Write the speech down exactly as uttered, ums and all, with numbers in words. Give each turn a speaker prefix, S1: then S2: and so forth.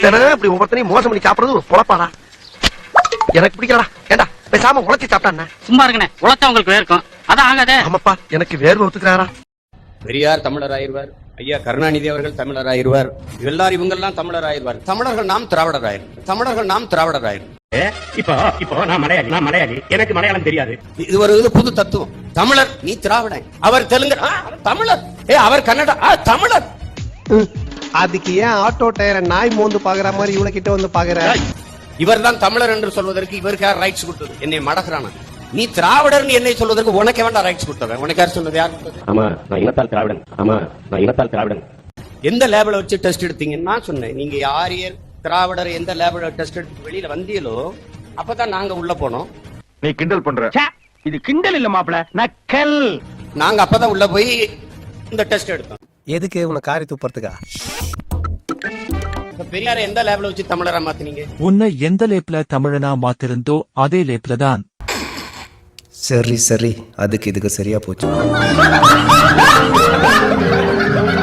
S1: இப்படி ஒவ்வொருத்தனையும் மோசம் பண்ணி சாப்பிடுறது ஒரு பொழப்பாடா. எனக்கு பிடிக்கலடா. ஏண்டா பேசாம உழைச்சி சாப்பிட்டானே. சும்மா இருக்கனே, உழைச்சா உங்களுக்கு வேர்க்கும். அதான் ஆகாதே. ஆமாப்பா, எனக்கு வேர்வை ஒத்துக்கிறாரா.
S2: பெரியார் தமிழர் ஆயிருவார், ஐயா கருணாநிதி அவர்கள் தமிழர் ஆயிருவார், எல்லாரும் இவங்க எல்லாம் தமிழர் ஆயிருவார். தமிழர்கள் நாம் திராவிடர் ஆயிரும். தமிழர்கள் நாம் திராவிடர் ஆயிரும்.
S3: இப்போ இப்போ நான் மலையாளி, நான் மலையாளி, எனக்கு மலையாளம் தெரியாது.
S2: இது ஒரு இது புது தத்துவம். தமிழர் நீ திராவிடன், அவர் தெலுங்கு தமிழர், ஏ அவர் கன்னடா தமிழர்.
S4: அதுக்கு ஏன் ஆட்டோ டயரை நாய் மோந்து பாக்குற மாதிரி இவ்வளவு கிட்ட வந்து பாக்குற?
S2: இவர் தான் தமிழர் என்று சொல்வதற்கு இவருக்கு யார் ரைட்ஸ் கொடுத்தது? என்னை மடக்குறானா? நீ திராவிடர் என்னை சொல்வதற்கு உனக்கு வேண்டாம் ரைட்ஸ் கொடுத்தவன். உனக்கு யார் சொன்னது? யார் கொடுத்தது?
S3: ஆமா நான் இனத்தால் திராவிடன். ஆமா நான் இனத்தால் திராவிடன்.
S2: எந்த லேபிள வச்சு டெஸ்ட் எடுத்தீங்கன்னு நான் சொன்னேன். நீங்க யார் திராவிடர் எந்த லேபிள டெஸ்ட் எடுத்து வெளியில வந்தீங்களோ அப்பதான் நாங்க உள்ள போனோம்.
S3: நீ கிண்டல் பண்ற. இது கிண்டல் இல்ல மாப்பிள, நக்கல்.
S2: நாங்க அப்பதான் உள்ள போய் இந்த டெஸ்ட் எடுத்தோம்.
S4: எதுக்கு உனக்கு காரி துப்புறதுக்கா?
S2: பெரியார எந்த லேபிள வச்சு தமிழரா மாத்தினீங்க?
S5: உன்னை எந்த லேப்ல தமிழனா மாத்திருந்தோ அதே லேப்ல தான்.
S4: சரி சரி, அதுக்கு இதுக்கு சரியா போச்சு.